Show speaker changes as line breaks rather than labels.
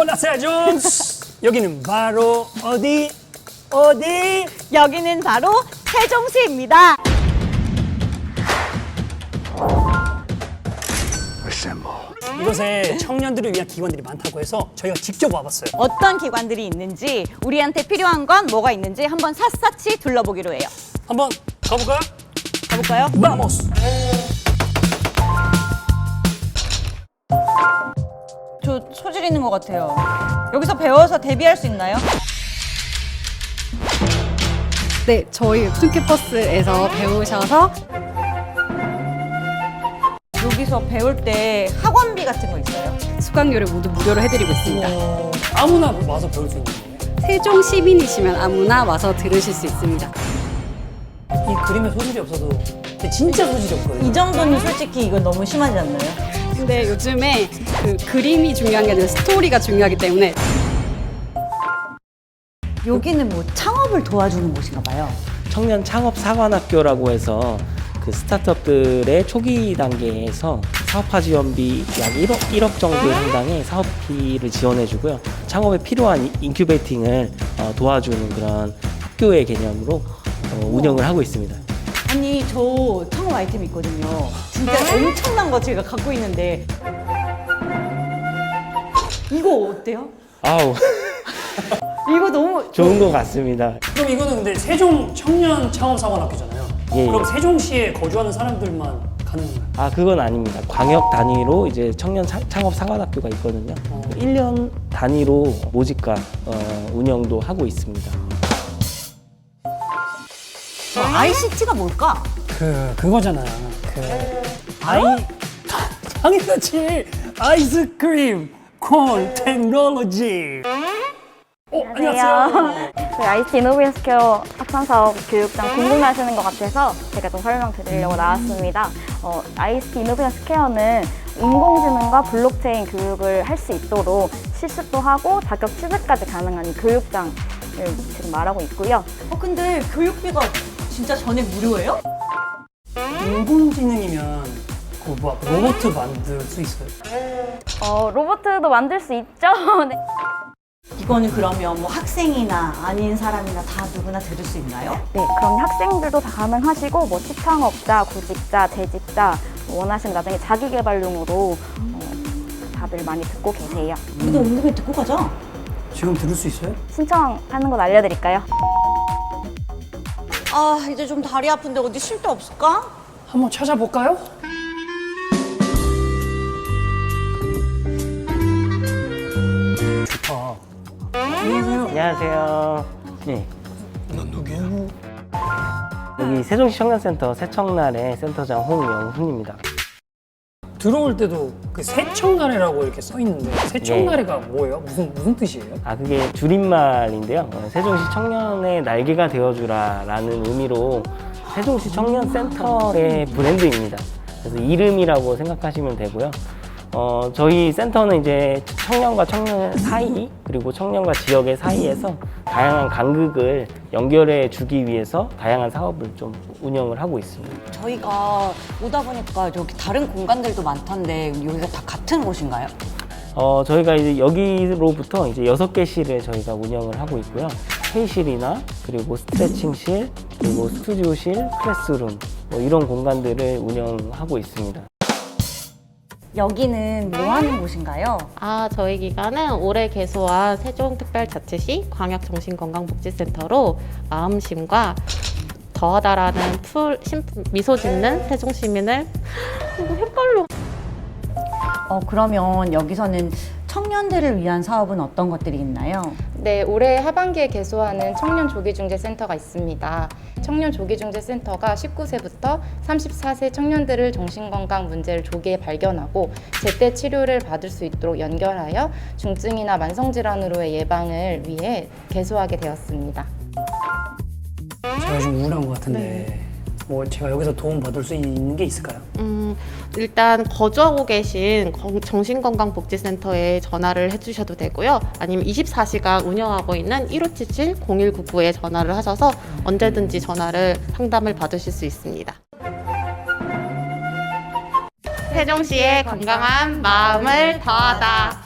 나 세종. 여기는 바로 어디?
여기는 바로 세종시입니다.
이곳에 청년들을 위한 기관들이 많다고 해서 저희가 직접 와봤어요.
어떤 기관들이 있는지, 우리한테 필요한 건 뭐가 있는지 한번 샅샅이 둘러보기로 해요.
한번 가볼까요?
가볼까요?
바모스.
저 소질 있는 것 같아요. 여기서 배워서 데뷔할 수 있나요?
네, 저희 웹툰 캠퍼스에서 배우셔서
여기서 배울 때 학원비 같은 거 있어요?
수강료를 모두 무료로 해드리고 있습니다.
아무나 와서 배울 수 있는 거예요?
세종 시민이시면 아무나 와서 들으실 수 있습니다.
이 그림에 소질이 없어도 근데 진짜 소질이 없거든요.
이 정도는 솔직히 이건 너무 심하지 않나요?
근데 요즘에 그 그림이 중요한 게 아니라 스토리가 중요하기 때문에
여기는 뭐 창업을 도와주는 곳인가 봐요.
청년 창업 사관학교라고 해서 그 스타트업들의 초기 단계에서 사업화 지원비 약 1억 정도 상당의 사업비를 지원해주고요. 창업에 필요한 인큐베이팅을 도와주는 그런 학교의 개념으로 운영을 하고 있습니다.
아니, 저 창업 아이템 있거든요. 진짜 엄청난 거 제가 갖고 있는데 이거 어때요?
아우
이거 너무
좋은 것 같습니다.
그럼 이거는 근데 세종 청년 창업사관학교잖아요.
예,
그럼
예.
세종시에 거주하는 사람들만 가는 건가요?
아 그건 아닙니다. 광역 단위로 이제 청년 창업 사관학교가 있거든요. 1년 단위로 모집과 운영도 하고 있습니다.
ICT가 뭘까?
그거잖아요. 당연하지. 아이스크림 콘 테크놀로지. 안녕하세요.
저희 ICT 이노베이션 스퀘어 학산사업 교육장 궁금해하시는 것 같아서 제가 좀 설명드리려고 나왔습니다. ICT 이노베이션 스퀘어는 인공지능과 블록체인 교육을 할 수 있도록 실습도 하고 자격 취득까지 가능한 이 교육장을 지금 말하고 있고요.
근데 교육비가 진짜 전액 무료예요?
인공지능이면 막 로봇 만들 수 있어요?
로봇도 만들 수 있죠. 네.
이거는 그러면 뭐 학생이나 아닌 사람이나 다 누구나 들을 수 있나요?
네, 그럼 학생들도 다 가능하시고 뭐 시창업자, 구직자, 재직자 원하시면 나중에 자기개발용으로 다들 많이 듣고 계세요.
우리도 온 김에 듣고 가자.
지금 들을 수 있어요?
신청하는 건 알려드릴까요?
아, 이제 좀 다리 아픈데 어디 쉴 데 없을까?
한번 찾아볼까요? 좋다. 안녕하세요.
안녕하세요. 네. 여기 세종시 청년센터 새청나래 센터장 홍영훈입니다.
들어올 때도 그 새청나래라고 이렇게 써 있는데 새청나래가 뭐예요? 무슨 뜻이에요?
아 그게 줄임말인데요. 세종시 청년의 날개가 되어주라라는 의미로 세종시 청년센터의 브랜드입니다. 그래서 이름이라고 생각하시면 되고요. 저희 센터는 이제 청년과 청년 사이 그리고 청년과 지역의 사이에서 다양한 간극을 연결해 주기 위해서 다양한 사업을 좀 운영을 하고 있습니다.
저희가 오다 보니까 여기 다른 공간들도 많던데 여기가 다 같은 곳인가요?
저희가 이제 여기로부터 이제 6개실을 저희가 운영을 하고 있고요. 회의실이나 그리고 스트레칭실, 그리고 스튜디오실, 클래스룸 뭐 이런 공간들을 운영하고 있습니다.
여기는 뭐 하는 곳인가요?
저희 기관은 올해 개소한 세종특별자치시 광역정신건강복지센터로 마음심과 더하다라는 미소 짓는 세종 시민을 헷갈려.
그러면 여기서는 청년들을 위한 사업은 어떤 것들이 있나요?
네, 올해 하반기에 개소하는 청년조기중재센터가 있습니다. 청년조기중재센터가 19세부터 34세 청년들을 정신건강 문제를 조기에 발견하고 제때 치료를 받을 수 있도록 연결하여 중증이나 만성질환으로의 예방을 위해 개소하게 되었습니다.
제가 좀 우울한 것 같은데 뭐 제가 여기서 도움 받을 수 있는 게 있을까요?
일단 거주하고 계신 정신건강복지센터에 전화를 해주셔도 되고요. 아니면 24시간 운영하고 있는 1577-0199에 전화를 하셔서 언제든지 상담을 받으실 수 있습니다. 세종시의 건강한 마음을 더하다.